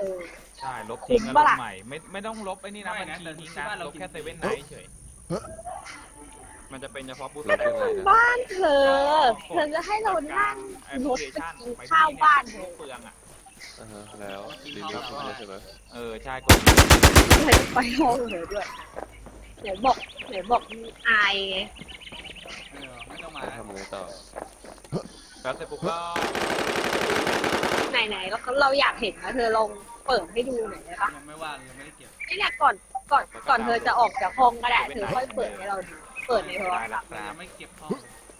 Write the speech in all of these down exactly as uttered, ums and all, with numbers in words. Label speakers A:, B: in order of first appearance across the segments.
A: อ
B: ใช่ลบทิ้งแล้วลบใหม่ไม่ไม่ต้องลบไอ้นี่นะบัญชีทิ้งนะลบแค่เซเว่นไนท์เฉยมันจะเป็นเฉพาะบูธ
A: บ้านเธอเธอจะให้เรานั่งรถไปกินข้าวบ้านเธอ
B: เปลืองอ่ะ
C: อ่าฮะแล้วรีวิวคุณใช่ไหม
B: เออใช่กด
A: ไปไปห้องเลยด้วยเดี๋ยวบอกเดี๋ยวบอกมีอายไง
D: เออไม่ต้องมา
C: ทำไงต่อ
B: แล้วเสร็จปุ๊บก็
A: ไหนๆแล้วเราอยากเห็นนะเธอลองเปิดให้ดูหน่อยได้ปะ
D: ยังไม่ว่างยังไม่ได้เก็บ
A: นี่แหละก่อนก่อนก่อนเธอจะออกจากห้องก็ได้เธอค่อยเปิดให้เราดูเปิดในโทรศัพท์
D: ยังไม่เก็บห้อง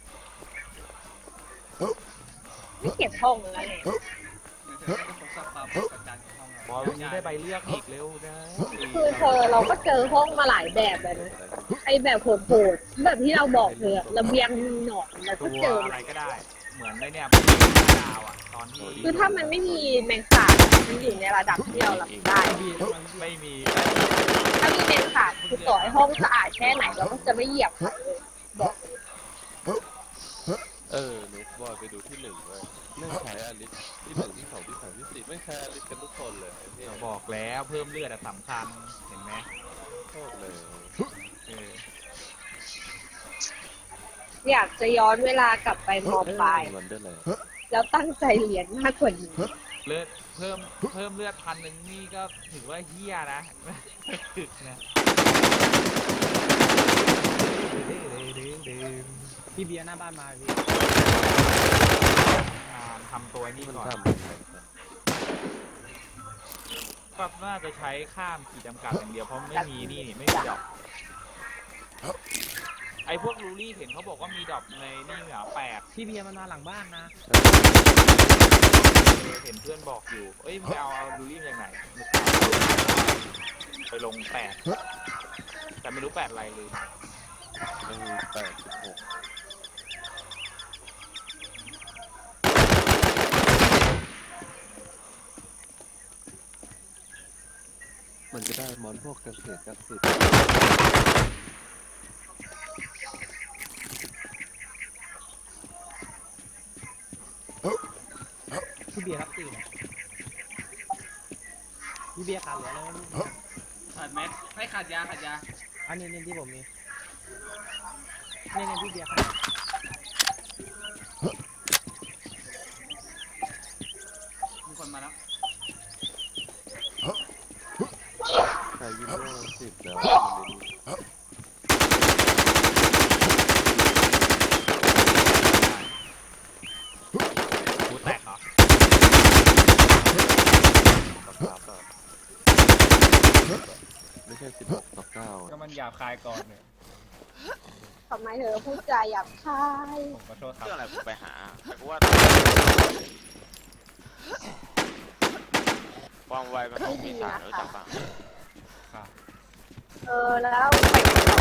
A: ไม่เก็บห้องแล้วเลย
D: เดี๋ยวเธอไม่ได้ทดสอบความประจันของห้อง
B: บอลวันนี้ได้ใบเลือกอีกเร็วนะ
A: คือเธอเราก็เจอห้องมาหลายแบบเลยนะไอแบบโหดๆแบบที่เราบอกเธอระเบียงหนอนแล้ว
B: ตั
A: ก็
B: ว
A: เจอ
B: อะไรก็ได้เหมือนในเนี่ยดาวอ่ะตอนที่
A: คือถ้ามันไม่มีแมงสาบมันอยู่ในระดับที่เรารับได้
B: ไม่มี
A: ถ้ามีแมงสาบคือต่อให้ห้องสะอาดแค่ไหนเราก็จะไม่เหยียบมันเลยบอก
C: เออนุ๊กบอยไปดูที่หนึ่งเลยไม่ใช้อลิสที่หนึ่งที่สองที่สามที่สี่ไม่ใช้อลิสกันทุกคนเลยเนี่ย
B: เราบอกแล้วเพิ่มเลือดสำคัญเห็นไหม
C: โคตรเลย
B: เออ
A: อยากจะย้อนเวลากลับไปมอปลาย
C: วันเดอร์แลนด์
A: แล้วตั้งใจเรียนมากกว่านี้
B: เลือดเพิ่มเพิ่มเลือดพันหนึ่งนี่ก็ถือว่าเฮี้ยนะถึกนะ
E: พี่เบียร์หน้าบ้านมาพี่
B: งานทำตัวนี่
C: มัน
B: ก่อน
C: ทำ
B: ก็น่าจะใช้ข้ามขีดจำกัดอย่างเดียวเพราะไม่มีนี่ไม่มีดอกไอ้พวกรูรี่เห็นเขาบอกว่ามีดอกในนี่เหรอแปลก
E: พี่เบียร์มันมาหลังบ้านนะ
B: เห็นเพื่อนบอกอยู่เอ้ยมึงไปเอารูรี่มาจากไหนไปลงแปดแต่ไม่รู้แปดอะไรเลย
C: ไม่มีแปดสิบหกมันจะได้มอนพวกเกษตรกสิทธิ์
E: พี่เบียร์ครับตื่นพี่เบียร์ขาดเหลืออะไรไหม
D: ขาดแม็กไม่ขาดยาขาดยา
E: อันนี้นี่ที่ผมมีนี่นี่พี่เบียร์ขาด
D: มีคนมาแล้ว
C: ใช้วินโดว์สิบแล้ว
B: กูแตกเหรอ
C: ครับอ่ะไม่ใช่สิบหกต่อเก้า
B: ก็มันหยาบคายก่อนเนี่ย
A: ทำไมเธอพูดจาหยาบคาย
B: ผมขอโทษครับ
F: เรื่องอะไรกูไปหาแต่กูว่าความไวมันต้องมีสารรู้จักป่ะ
A: เออแล้วไป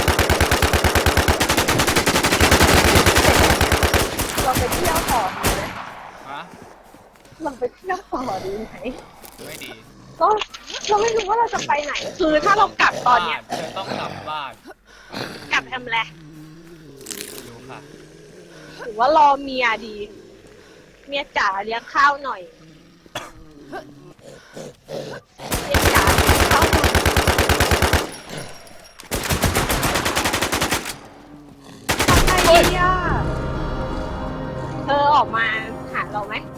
A: เราไปเที่ยวต่อดีไหม
D: ฮะ
A: เราไปเที่ยวต่อดีไหม
D: ไม่ดี
A: ก็เราไม่รู้ว่าเราจะไปไหน คือถ้าเรากลับตอนเนี้ย
D: เธอต้องกลับบ้าน
A: กลับทำอะไร
D: ดูค่ะ
A: หรือว่ารอเมียดี เมียจ๋าเลี้ยงข้าวหน่อยเมียจ๋าเลี้ยงข้าวหน่อยทำไงดีอ่ะเธอออกมาหาเราไหม